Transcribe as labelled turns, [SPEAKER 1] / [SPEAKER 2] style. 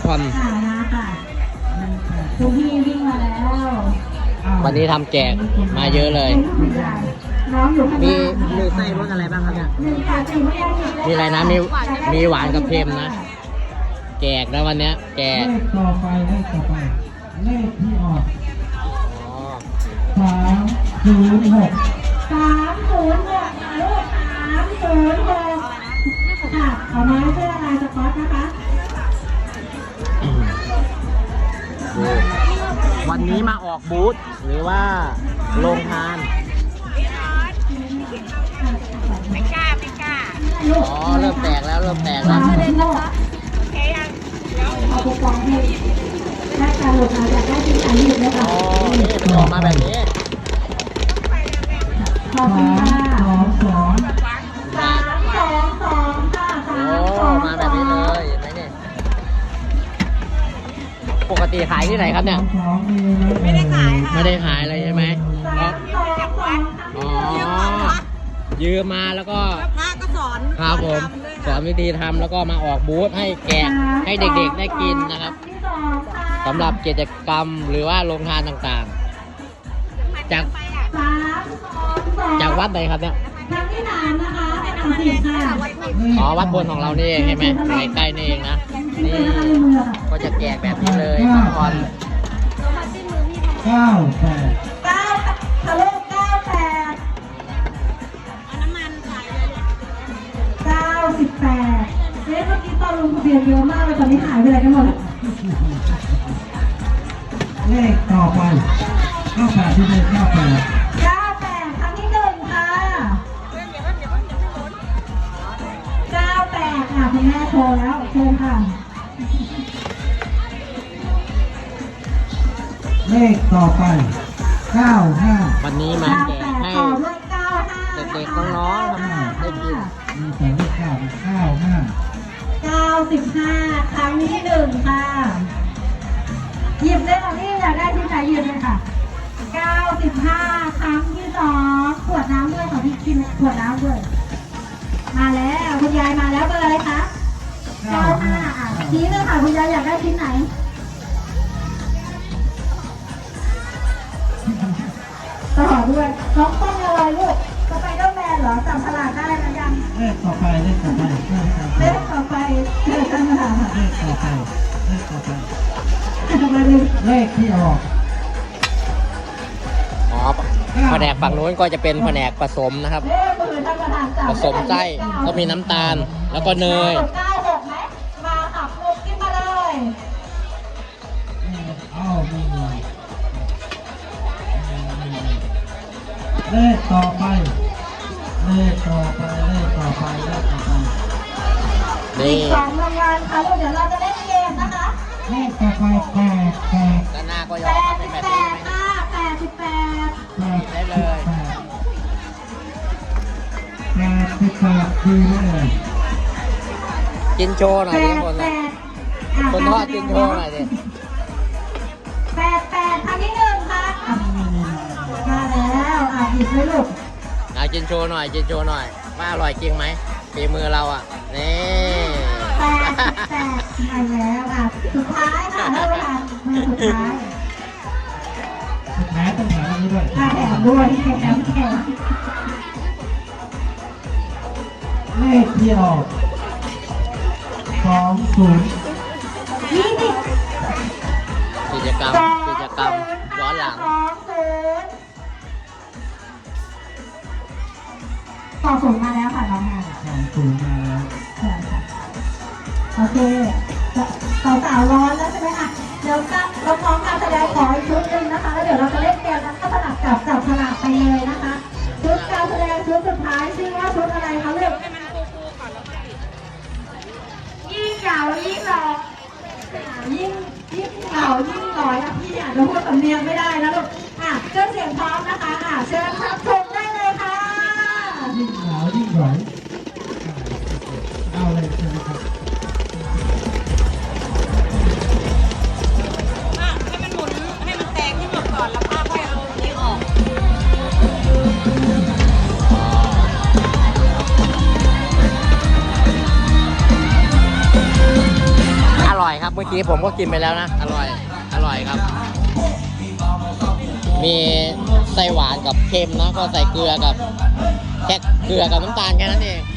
[SPEAKER 1] ผ่อน
[SPEAKER 2] คุณพี่วิ่งมาแล้ว
[SPEAKER 1] วันนี้ทำแจกมาเยอะเลยมีไส้รสอะไรบ้างครับเนี่ยมีอะไรนะมีหวานกับเค็มนะแจกนะวันนี้แจก
[SPEAKER 3] เลขต่อไปเลขที่ออก306
[SPEAKER 2] 306ค่ะลูก306ค่ะเอาไม้เสื้อลายสก๊อตนะคะ
[SPEAKER 1] วันนี้มาออกบูธหรือว่าโรงทาน
[SPEAKER 4] ไม่กล้า
[SPEAKER 1] อ๋อเริ่มแตกแล้ว
[SPEAKER 2] โอเคยังเอาไปกองให้ได้การหลุดมาจากได้ที่ไหนหยุดเลยค่ะ
[SPEAKER 1] อ๋อนี่มันออกมาแบบนี้
[SPEAKER 2] ขอบคุณค่ะ
[SPEAKER 3] 322
[SPEAKER 2] 322ค่ะ
[SPEAKER 1] โอ้มาแบบนี้เลยเห็นไหมเนี่ยปกติขายที่ไหนครับเนี่ย
[SPEAKER 4] ไม่ได้ขายค่ะ
[SPEAKER 1] ไม่ได้ขายเลยใช่ไหม
[SPEAKER 2] 322
[SPEAKER 1] อ๋อยืมมาแล้วก็
[SPEAKER 4] พระก็สอน
[SPEAKER 1] ครับผมสอนวิธีทำแล้วก็มาออกบูธให้แกะให้เด็กๆได้กินนะครับสำหรับกิจกรรมหรือว่าโรงทานต่างๆจากวัดไหนครับเนี่ย
[SPEAKER 2] ทางที่3นะคะ30ค่ะ
[SPEAKER 1] อ๋อวัดบนของเรานี่เองใช่ไหมใกล้ๆนี่เองนะนี่ก็จะแจกแบบนี้เลยทุกคน
[SPEAKER 3] 98
[SPEAKER 2] 9ทะลุ98
[SPEAKER 4] เอาน้ำมันใส่เลย
[SPEAKER 2] 98เมื่อกี้ตอนลงทะเบียนเยอะมากเลยตอนนี้หายไปไหนกันหมดแล้ว
[SPEAKER 3] เลขต่อไป98ที่เลข98
[SPEAKER 2] 98ครั้งที่1ค่ะ98ค่ะคุณแม่โทรแล้วเชิญค่ะ
[SPEAKER 3] เลขต่อไป95
[SPEAKER 1] วันนี้มาแจกให้
[SPEAKER 2] ต่อด้วย95
[SPEAKER 1] เด็กๆน้องๆครับได้กิน
[SPEAKER 3] มีแต่เลข95
[SPEAKER 2] 95ครั้งที่1ค่ะหยิบได้ค่ะพี่อยากได้ที่ไหนหยิบเลยค่ะ95ครั้งที่2ขวดน้ำด้วยค่ะพี่กินขวดน้ำด้วยมาแล้วคุณยายมาแล้วเบอร์อะไรคะ95ชี้เลยค่ะคุณยายอยากได้ชิ้นไหนต่อด้วยน้องต้นอะไรลูกสไปเดอร์แมนเหรอจับฉลากได้ไหมยัง
[SPEAKER 3] เลขต่อไป
[SPEAKER 2] เลขต่อไปเกิดกันมา
[SPEAKER 3] เลขต่อไปเลขที่ออก
[SPEAKER 1] อ๋อแผนกฝั่งนู้นก็จะเป็นแผนกผสมนะครับผสมไส้ก็มีน้ำตาลแล้วก็เนย
[SPEAKER 2] 96ไหมมาขับลูกขึ้นมาเลย
[SPEAKER 3] เลขต่อไป
[SPEAKER 1] นี่
[SPEAKER 2] อีก2รางวัลค่ะลูกเดี๋ยวเราจะเล่นเกมนะคะ
[SPEAKER 3] เลขต่อไป88
[SPEAKER 1] ด้านหน้าก็ยอมเป็นแบบนี้ไหมได้เลย
[SPEAKER 3] 88คือเลย
[SPEAKER 1] กินโชว์หน่อยดิคนทอดกินโชว์หน่อยดิ
[SPEAKER 2] 88ครั้งที่1ค่ะมาแล้วหยิบเลยลูก
[SPEAKER 1] กินโชว์หน่อยว่าอร่อยจริงไหมฝีมือเราอ่ะนี่
[SPEAKER 2] 88มาแล้วสุดท้ายค่ะเท่าไหร่สุดท้าย
[SPEAKER 3] ต้องแถมอันนี้ด้วย
[SPEAKER 2] แถมด้วยแถม
[SPEAKER 3] เลขที่ออก20
[SPEAKER 1] กิจกรรมย้อนหลัง
[SPEAKER 2] 20มาแล้วค่ะน้องค่ะ
[SPEAKER 3] 20มาแล้ว
[SPEAKER 2] โอเคสาวร้อนแล้วใช่ไหมคะเดี๋ยวเราพร้อมการแสดงขออีกชุดหนึ่งนะคะแล้วเดี๋ยวเราจะเล่นเกมแล้วก็สลับจับฉลากไปเลยนะคะชุดการแสดงชุดสุดท้ายชื่อว่าชุดอะไรคะลูกยิ่งยาวยิ่งหล่อยิ่งเก่ายิ่งหล่อพี่อาจจะพูดสำเนียงไม่ได้นะลูกเครื่องเสียงพร้อมนะคะเชิญรับชมได้เลยค่ะ
[SPEAKER 3] ยิ่งหนาวยิ่งหล่อเอาเลยใช่ไหมครับ
[SPEAKER 1] ครับเมื่อกี้ผมก็กินไปแล้วนะอร่อยครับ มีไส้หวานกับเค็มนะก็ใส่เกลือกับแค่เกลือกับน้ำตาลแค่นั้นเอง